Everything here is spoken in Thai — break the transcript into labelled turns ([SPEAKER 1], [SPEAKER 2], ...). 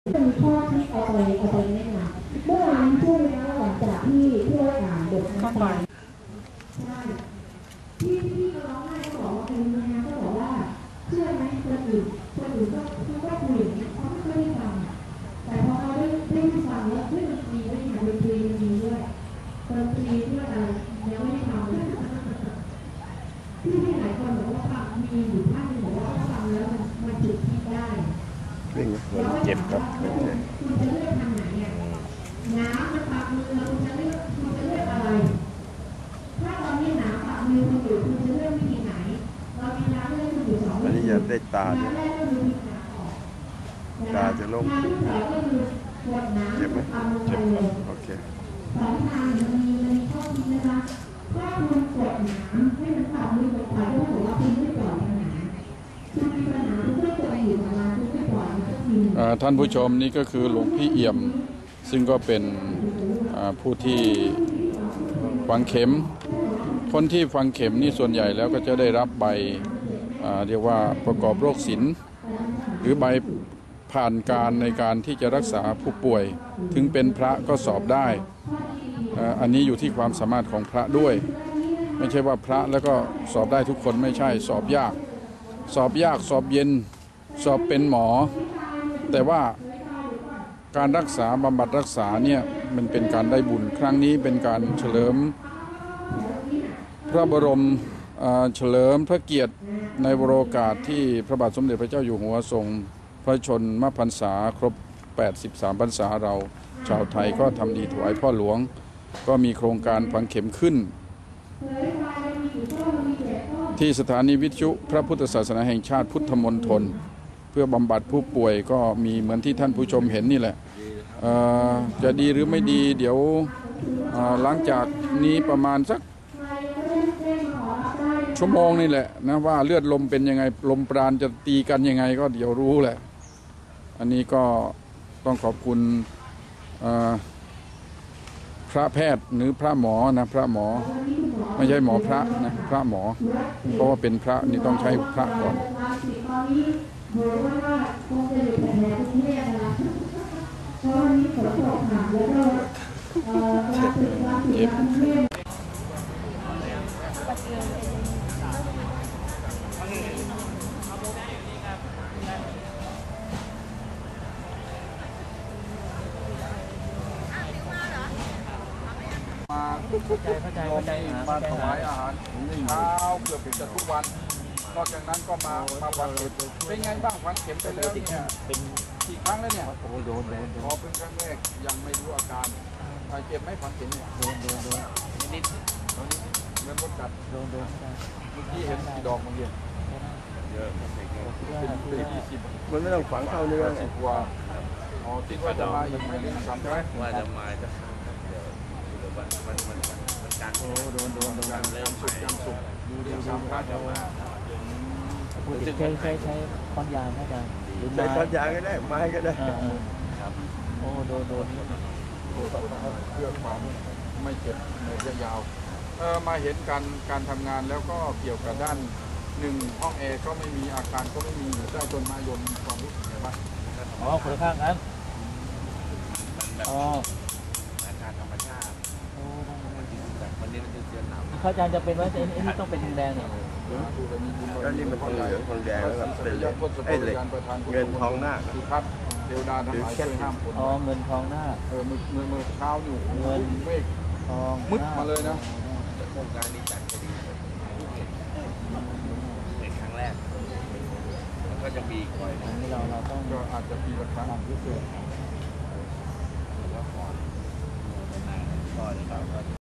[SPEAKER 1] มีข้อที่เอาไปแนะนำเมื่อวานช่วงนี้หลังจากที่เราอ่านบทนั้นไปใช่ที่ร้องไห้ก็บอกว่าเป็นยังไงก็บอกว่าเชื่อไหมคนอื่นก็คุยอย่างนี้เขาไม่ได้ฟังแต่พอเขาได้ฟังแล้วเฮ้ยมันดีด้วยนะดนตรีมันดีด้วยดนตรีด้วยอะไรยังไม่ได้ทำที่หลายคนบอกว่าฟังมีอยู่ท่านบอกว่าฟังแล้วมันจุดที่ได้
[SPEAKER 2] วิ่งคนเจ็บครับ
[SPEAKER 1] คุณจะเลือกทางไหนอ่ะน้ำมันปากมือคุณจะเลือกอะไรถ้าตอนนี้น้ำปากมือคุณอยู่คุณจะเลือกวิธีไหนเรามีน้ำเลือกคุณอยู่สองวิธี
[SPEAKER 2] วันนี้จะได้ตาด้วย
[SPEAKER 1] น้ำแรกก็คือวิธีน้ำออก
[SPEAKER 2] ตาจะลง
[SPEAKER 1] น้ำที่สองก็คือกดน้ำ
[SPEAKER 2] เจ็บไหมเจ็บโอเค
[SPEAKER 1] สองทางมันมีข้อคิดนะคะถ้าคุณกดน้ำให้มันปากมือไปก็ถือว่าคุณไม่ปล่อยปัญหาคุณมีปัญหาคุณก็กดอยู่ประมาณคุณไม่ปล่อยมันก็มี
[SPEAKER 3] ท่านผู้ชมนี่ก็คือหลวงพี่เอี่ยมซึ่งก็เป็นผู้ที่ฝังเข็มคนที่ฝังเข็มนี่ส่วนใหญ่แล้วก็จะได้รับใบเรียกว่าประกอบโรคศิลป์หรือใบผ่านการในการที่จะรักษาผู้ป่วยถึงเป็นพระก็สอบได้อันนี้อยู่ที่ความสามารถของพระด้วยไม่ใช่ว่าพระแล้วก็สอบได้ทุกคนไม่ใช่สอบยากสอบเย็นสอบเป็นหมอแต่ว่าการรักษาบำบัดรักษาเนี่ยมันเป็นการได้บุญครั้งนี้เป็นการเฉลิมพระบรมเฉลิมพระเกียรติในวโรกาสที่พระบาทสมเด็จพระเจ้าอยู่หัวทรงพระชนมพรรษาครบ83พรรษาเราชาวไทยก็ทำดีถวายพ่อหลวงก็มีโครงการฝังเข็มขึ้นที่สถานีวิทยุพระพุทธศาสนาแห่งชาติพุทธมณฑลเพื่อบำบัดผู้ป่วยก็มีเหมือนที่ท่านผู้ชมเห็นนี่แหละจะดีหรือไม่ดีเดี๋ยวหลังจากนี้ประมาณสักชั่วโมงนี่แหละนะว่าเลือดลมเป็นยังไงลมปราณจะตีกันยังไงก็เดี๋ยวรู้แหละอันนี้ก็ต้องขอบคุณพระแพทย์หรือพระหมอนะพระหมอไม่ใช่หมอพระนะพระหมอเพราะว่าเป็นพระนี่ต้องใช้พระก่อนเจ็บมาถวายอาหารเช้าเกือบจะทุกวันนอกจากนั้นก็มาฝังเข็มเป็นไงบ้างฝังเข็มไปแล้วเนี่ยเป็นกี่ครั้งแล้วเนี่ยโดนพอเป็นครั้งแรกยังไม่รู้อาการเจ็บไหมฝังเข็มเนี่ยโดนนิดเหมือนมดกัดโดนเมื่อกี้เห็นกี่ดอกเมื่อกี้เยอะเป็น20มันไม่ต้องฝังเข้าเนื้อ10 กว่าคิดว่าจะมาอีกไม่ถึง3ใช่ไหมว่าจะมาจะมันการโดนการเริ่มสุกดูเรื่องสำคัญจะมา
[SPEAKER 4] ใช้ค้อนยางอาจารย์
[SPEAKER 2] ใช้ค้อนยางก็ได้ไม้ก็ได้
[SPEAKER 4] ครับโอ้โดน
[SPEAKER 3] เรื่องความไม่เจ็บระยะยาวมาเห็นการทำงานแล้วก็เกี่ยวกับด้าน1ห้องแอร์ก็ไม่มีอาคารก็ไม่มีเจ้าจนมายนความรู้สึกไงบ้าง
[SPEAKER 4] คนละข้างกัน
[SPEAKER 2] อาการธรรมชาติวันนี้มันจะเสียหนาว
[SPEAKER 4] เขาอาจารย์จะเป็นว่าไอ้นี่ต้องเป็นแดงเนี่ย
[SPEAKER 2] ก็นี่มันทองเหลืองทองแดงแล้วเป็นเหล็กเงินทองหน้า
[SPEAKER 3] ครับเทวดาทั้งหลายช่วยห้ามฝน
[SPEAKER 4] เงินทองหน้า
[SPEAKER 3] มือเช้าอยู่
[SPEAKER 4] เงิน
[SPEAKER 3] เมฆทองมืดมาเลยนะ
[SPEAKER 2] โครงการนี้จัดก็ดีเป็นครั้งแรกแล้วก็จะมีคอย
[SPEAKER 4] นี่เราต้อง
[SPEAKER 3] ก็อาจจะปีละครั้งพิเศษ
[SPEAKER 2] ก่อน